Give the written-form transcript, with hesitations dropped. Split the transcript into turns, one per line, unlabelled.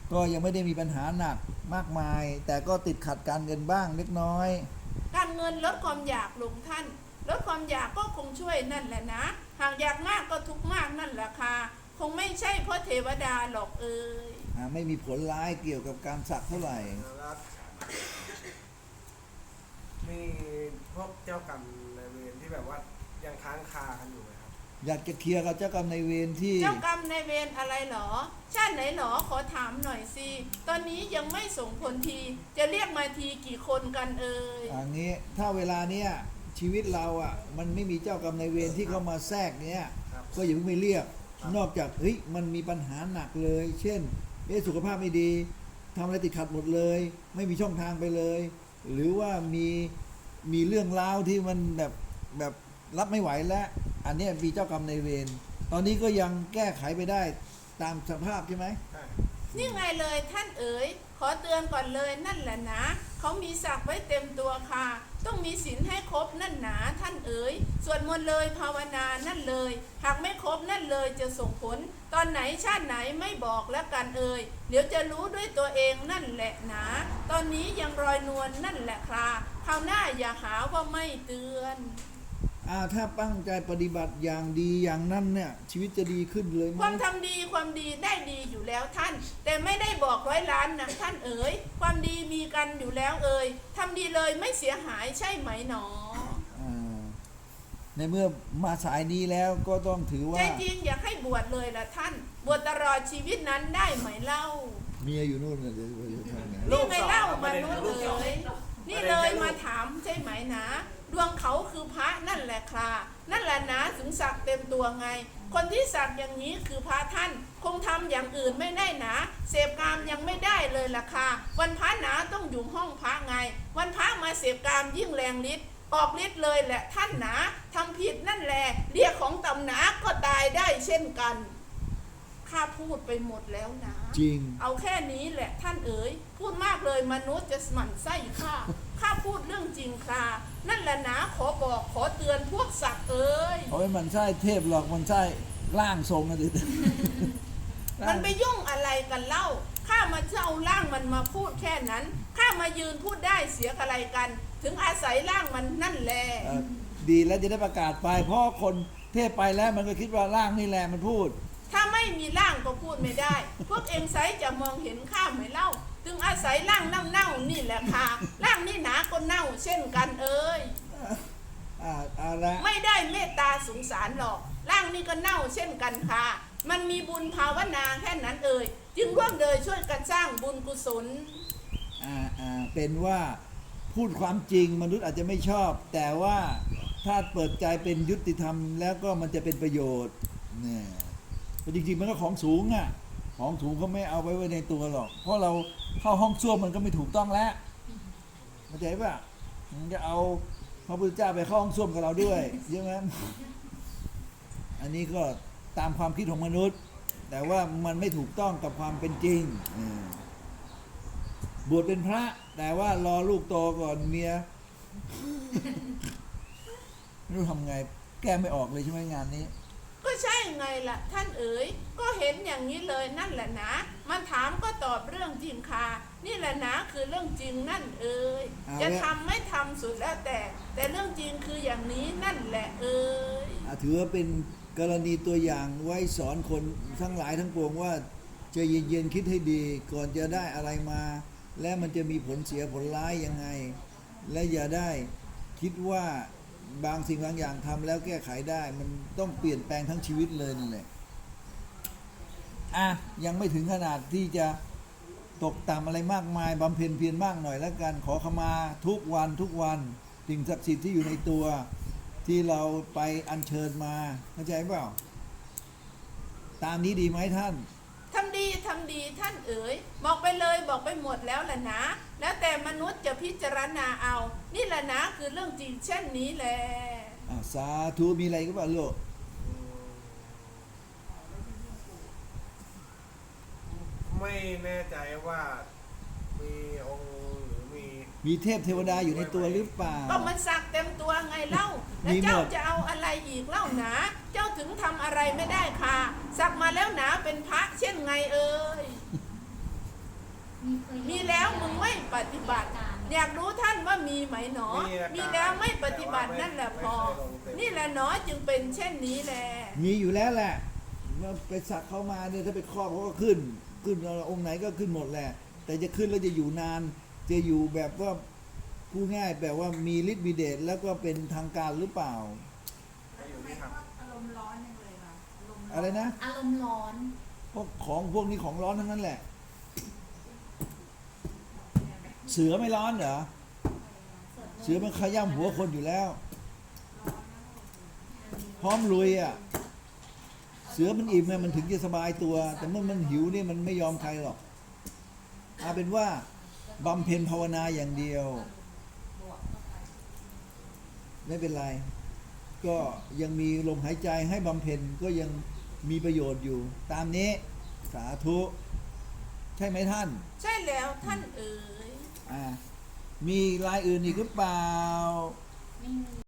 ก็ยังไม่ได้มีปัญหาหนักมากมาย แต่ก็ติดขัดการเงินบ้างเล็กน้อย
การเงินลดความอยากลงท่านลดความอยากก็คงช่วยนั่นแหละนะหากอยากมากก็ทุกข์มากนั่นแหละค่ะคงไม่ใช่เพราะเทวดาหรอก
ไม่มีผลร้ายเกี่ยวกับการสักเท่าไหร่
แล้วมีพวกเจ้ากรรมนายเวรที่แบบว่ายังค้างคากันอยู่ไหมครับ
อยากจะเคลียร์กับเจ้ากรรมนายเวรที่
เจ้ากรรมนายเวรอะไรหรอชาติไหนหรอขอถามหน่อยสิตอนนี้ยังไม่ส่งผลทีจะเรียกมาทีกี่คนกัน
อย่างนี้ถ้าเวลาเนี้ยชีวิตเราอ่ะมันไม่มีเจ้ากรรมนายเวรที่เข้ามาแทรกเนี้ยก็อย่าเพิ่งไปเรียกนอกจากเฮ้ยมันมีปัญหาหนักเลยเช่นสุขภาพไม่ดีทำอะไรติดขัดหมดเลยไม่มีช่องทางไปเลยหรือว่ามีเรื่องราวที่มันแบบรับไม่ไหวแล้วอันนี้มีเจ้ากรรมนายเวรตอนนี้ก็ยังแก้ไขไปได้ตามสภาพใช่ไหม
นี่ไงเลยท่านขอเตือนก่อนเลยนั่นแหละนะเขามีศักดิ์ไว้เต็มตัวค่ะต้องมีศีลให้ครบนั่นหนาท่านสวดมนต์เลยภาวนานั่นเลยหากไม่ครบนั่นเลยจะส่งผลตอนไหนชาติไหนไม่บอกแล้วกันเดี๋ยวจะรู้ด้วยตัวเองนั่นแหละนะตอนนี้ยังรอยนวลนั่นแหละค่ะคราวหน้าอย่าหาว่าไม่เตือน
ถ้าตั้งใจปฏิบัติอย่างดีอย่างนั้นเนี่ยชีวิตจะดีขึ้นเลยไหม
ความทำดีความดีได้ดีอยู่แล้วท่านแต่ไม่ได้บอก100 ล้านนะท่านความดีมีกันอยู่แล้วทำดีเลยไม่เสียหายใช่ไหมหนอ
ในเมื่อมาสายนี้แล้วก็ต้องถือว่า
ใจจริงอยากให้บวชเลยล่ะท่านบวชตลอดชีวิตนั้นได้ไหมเล่า
เมียอยู่นู่นเลยเดี๋ยวทำไง
นี่ไงเล่ามานู่นนี่เลยมาถามใช่ไหมนะดวงเขาคือพระนั่นแหละค่ะนั่นแหละนะถึงสักเต็มตัวไงคนที่สักอย่างนี้คือพระท่านคงทำอย่างอื่นไม่ได้นะเสพกามยังไม่ได้เลยล่ะค่ะวันพระหนาต้องอยู่ห้องพระไงวันพระมาเสพกามยิ่งแรงฤทธิ์ออกฤทธิ์เลยแหละท่านนะทำผิดนั่นแหละเรียกของต่ำหนาก็ตายได้เช่นกันข้าพูดไปหมดแล้วนะ
จริง
เอาแค่นี้แหละท่านพูดมากเลยมนุษย์จะหมั่นไส้ข้าพูดเรื่องจริงค่ะนั่นแหละนะขอบอกขอเตือนพวกสัตว์
เอาไว้มันใช่เทพหรอกมันใช่ร่างทรงนะดิ
มันไปยุ่งอะไรกันเล่าข้ามาเจ้าร่างมันมาพูดแค่นั้นข้ามายืนพูดได้เสียอะไรกันถึงอาศัยร่างมันนั่นแหละ
ดีแล้วจะได้ประกาศไปเพราะคนเทพไปแล้วมันก็คิดว่าร่างนี่แหละมันพูด
ถ้าไม่มีร่างก็พูดไม่ได้พวกเองไซจะมองเห็นข้าไหมเล่าถึงอาศัยร่างเน่านี่แหละค่ะร่างนี่หนาก็เน่าเช่นกันไม่ได้เมตตาสงสารหรอกร่างนี่ก็เน่าเช่นกันค่ะมันมีบุญภาวนาแค่นั้นจึงร่วมเดยช่วยกันสร้างบุญกุศล
เป็นว่าพูดความจริงมนุษย์อาจจะไม่ชอบแต่ว่าถ้าเปิดใจเป็นยุติธรรมแล้วก็มันจะเป็นประโยชน์เนี่ยแต่จริงๆมันก็ของสูงของสูงเขาไม่เอาไว้ในตัวหรอกเพราะเราเข้าห้องส้วมมันก็ไม่ถูกต้องแล้วเข้าใจป่ะมันจะเอาพระพุทธเจ้าไปเข้าห้องส้วมกับเราด้วยใช่ไหมอันนี้ก็ตามความคิดของมนุษย์แต่ว่ามันไม่ถูกต้องกับความเป็นจริงบวชเป็นพระแต่ว่ารอลูกโตก่อนเมียไม่รู้ทำไงแก้ไม่ออกเลยใช่ไหมงานนี้
ก็ใช่ไงล่ะท่านก็เห็นอย่างนี้เลยนั่นแหละนะมันถามก็ตอบเรื่องจริงค่ะนี่แหละนะคือเรื่องจริงนั่นจะทำไม่ทำสุดแล้วแต่เรื่องจริงคืออย่างนี้นั่นแหละ
ถือว่าเป็นกรณีตัวอย่างไว้สอนคนทั้งหลายทั้งปวงว่าจะเย็นๆคิดให้ดีก่อนจะได้อะไรมาและมันจะมีผลเสียผลร้ายยังไงและอย่าได้คิดว่าบางสิ่งบางอย่างทำแล้วแก้ไขได้มันต้องเปลี่ยนแปลงทั้งชีวิตเลยนั่นแหละยังไม่ถึงขนาดที่จะตกต่ำอะไรมากมายบำเพ็ญเพียรมากหน่อยแล้วกันขอขมาทุกวันสิ่งศักดิ์สิทธิ์ที่อยู่ในตัวที่เราไปอัญเชิญมาเข้าใจเปล่าตามนี้ดีไหมท่าน
ทำดีท่านบอกไปเลยบอกไปหมดแล้วแหละนะแล้วแต่มนุษย์จะพิจารณาเอานี่แหละนะคือเรื่องจริงเช่นนี้แหละ
สาธุมีอะไรก็บอกลูก
ไม่แน่ใจว่ามีองค์หรือ
มีเทพเทวดาอยู่ในตัวหรือเปล่า
ก็มันสักเต็มตัวไงเล่าแล้วเจ้าจะเอาอะไรอีกเล่าหนาเจ้าถึงทำอะไรไม่ได้ค่ะสักมาแล้วหนาเป็นพระเช่นไงฏิบัติ อยากรู้ท่านว่ามีไหมหนอ มีแล้วไม่ปฏิบัตินั่นแหละพอ นี่แหละหนอจึงเป็นเช่นนี้แล
มีอยู่แล้วแหละว่าไปสักเขามาเนี่ยถ้าไปครอบเขาก็ขึ้นองค์ไหนก็ขึ้นหมดแหละ แต่จะขึ้นแล้วจะอยู่นาน จะอยู่แบบว่าพูดง่ายแบบว่ามีฤทธิ์มีเดชแล้วก็เป็นทางการหรือเปล่า
อยู่ที่ครับ
อารมณ์ร้อนยังเลยค่ะอารมณ์
อะไรนะ
อารมณ์ร้อน
เพราะของพวกนี้ของร้อนทั้งนั้นแหละ เสือไม่ร้อนเหรอ เสือมันขย้ำหัวคนอยู่แล้ว พร้อมลุยอ่ะ เสือมันอิ่มเนี่ยมันถึงจะสบายตัว แต่เมื่อมันหิวเนี่ยมันไม่ยอมใครหรอกเอาเป็นว่าบำเพ็ญภาวนาอย่างเดียว ไม่เป็นไร ก็ยังมีลมหายใจให้บำเพ็ญก็ยังมีประโยชน์อยู่ ตามนี้สาธุ ใช่ไหมท่าน
ใช่แล้วท่านเอ๋ย
มีรายอื่นอีกหรือเปล่า
ไม่มี